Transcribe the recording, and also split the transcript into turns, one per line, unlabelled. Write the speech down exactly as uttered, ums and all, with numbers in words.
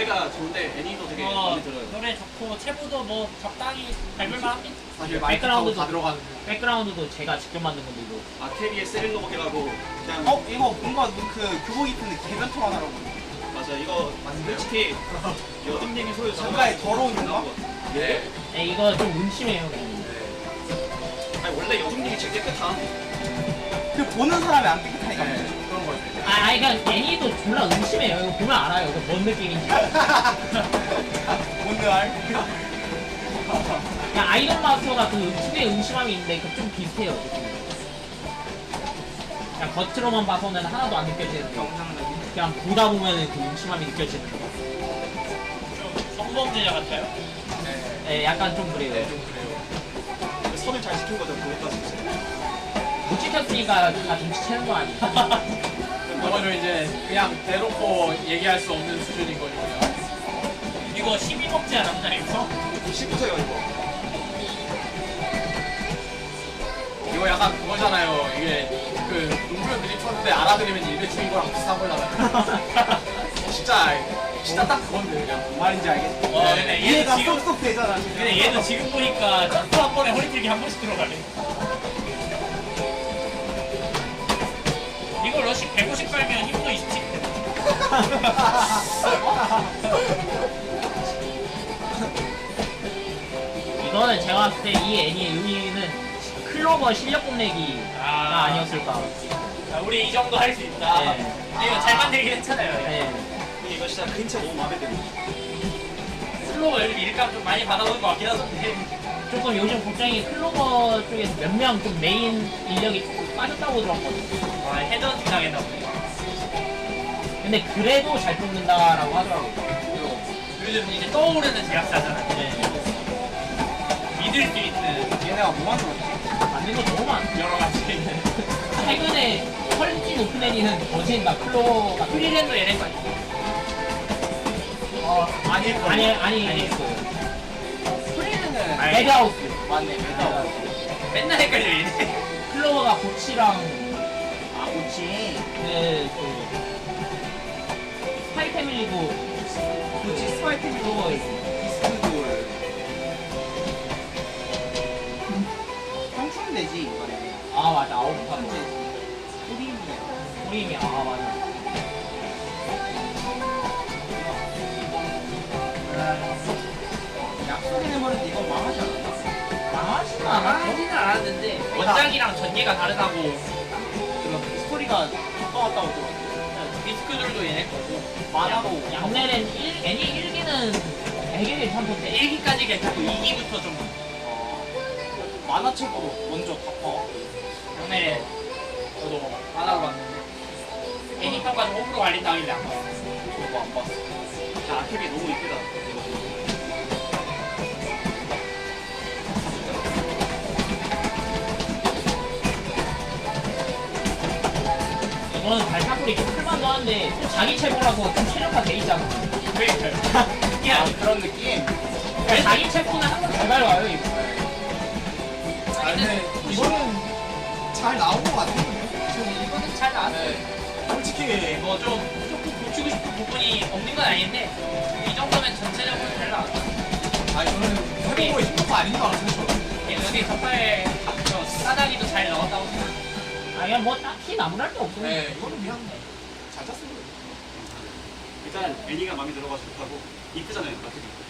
노래가 좋은데 애니도 되게
어,
마음에 들어요.
노래 좋고 체보도 뭐 적당히 밟을만 합니다.
사실 마이크라운드 다 들어가는.
백그라운드도 제가 직접 만든 건데 이거.
아케비의 세릴로버 해가고 그냥
어 이거 뭔가 그 교복 입은 개변통 하나라고.
맞아 이거
맞는데요?
솔직히 여든님이 소유
뭔가에 더러운 건가?
네.
네, 이거 좀 음침해요. 그냥.
아니 원래 여든님이 제일 깨끗한.
그 보는 사람이 안 깨끗하니까.
네.
그런 거지.
아, 아니 그냥 애니도 졸라 음침해요. 이거 보면 알아요. 이거 뭔 느낌인지.
뭔데 알?
그냥 아이돌 마스터가 그 특유의 음침함이 있는데 그 좀 비슷해요. 느낌이. 그냥 겉으로만 봐서는 하나도 안 느껴지는데
영상은.
그냥 보다 보면은 그 음침함이 느껴지는 거.
좀 성범죄자 같아요.
네.
네, 약간 좀 그래요.
네, 좀 그래요.
선을 잘 지킨 거죠 그것까지.
못 지켰으니까 다 눈치채는 거 아니에요?
이거는 이제 그냥 대놓고 얘기할 수 없는 수준인 거니까요.
이거 십이 범죄 남자 이거?
시부터요 이거.
이거 약간 그거잖아요. 이게 그 농구를 드립쳤는데 알아들으면 일배충인 거랑 비슷한 거잖아요. 진짜 진짜 딱 그건데 그냥 뭔 말인지 알겠어.
와, 근데 얘는
이해가
지금-
쏙쏙 되잖아. 지금.
근데 얘는 지금 보니까 점프 한 번에 허리틀기 한 번씩 들어가네. 이거 러시 백오십 빨면 힘도 이십칠 대.
이거는 제가 봤을 때 이 애니의 의미는 클로버 실력 뽐내기가
아.
아니었을까.
자, 우리 이 정도 할 수 있다.
네.
근데 이거 잘 만들긴 했잖아요.
네.
근데 이거 진짜 그림체 너무 마음에 들어.
슬로우 요즘 일감 좀 많이 받아오는 것 같긴 하던데.
조금 요즘 걱정이 클로버 쪽에서 몇 명 좀 메인 인력이 조금 빠졌다고 들었거든요.
와, 헤드헌팅 당했나 보네.
근데 그래도 잘 뽑는다라고 하더라고요.
요즘 이제 떠오르는 제작사잖아.
네.
믿을 수 있는
얘네가 뭐 만들었지?
만든 거 너무 많아.
여러 가지.
최근에 퀄리티 높은 애니는 더진다. 클로버가.
프리랜도 얘네 거 아니야?
어 아닐 거.
아니, 아니,
아니.
프리는
아니.
레드하우스.
맞네. 메타워.
맨날 헷갈려 얘네.
클로버가 고치랑
아 그렇지.
그, 그, 스파이 패밀리도
그렇지 스파이 팀
클로버 있고.
비스크돌. 청춘 되지 이번에.
아, 맞아. 아홉 판.
청춘 되지. 소리인데.
우리미, 아, 맞아.
약속의 해머는 이거 망하지 않았나?
망하지는 않았죠?
하지는 않았는데 원작이랑 전개가 다르다고.
그런 스토리가 가까웠다고 들었는데.
디스크들도 얘네 거고.
만화로
양날엔 일, 애니 일 기는 되게 괜찮던데.
일 기까지 괜찮고 이 기부터 좀
어, 만화책으로 먼저 덮어.
전에 저도 만화로 봤는데 애니 평가 좀 호불호 갈린다길래 안 봤어.
저도 안 봤어.
자 아케비 너무 이쁘다.
이거는 발사풀이 좀 클만도 한데 또 자기 체포라서 좀 최적화 돼 있잖아.
그러니까요.
아,
특이하지.
그런 느낌?
그러니까 자기 체포는 항상 잘 밟아요, 이거.
아, 근데 이거는 잘 나온 것 같은데.
이거는 잘 나왔어요.
네. 솔직히
뭐좀 조금 고치고 싶은 부분이 없는 건 아닌데 이 정도면 전체적으로 잘 나왔다.
아 저는 해보고 힘든 거 아닌 줄 알았어요.
여기 덕분에 저 싸다기도 잘 넣었다고 생각해요.
아, 그냥 뭐 딱히 나무랄 게 없어요.
네, 이거는 그냥 잘 짰어요.
일단 애니가 마음에 들어가지고 좋다고 이쁘잖아요 아케비.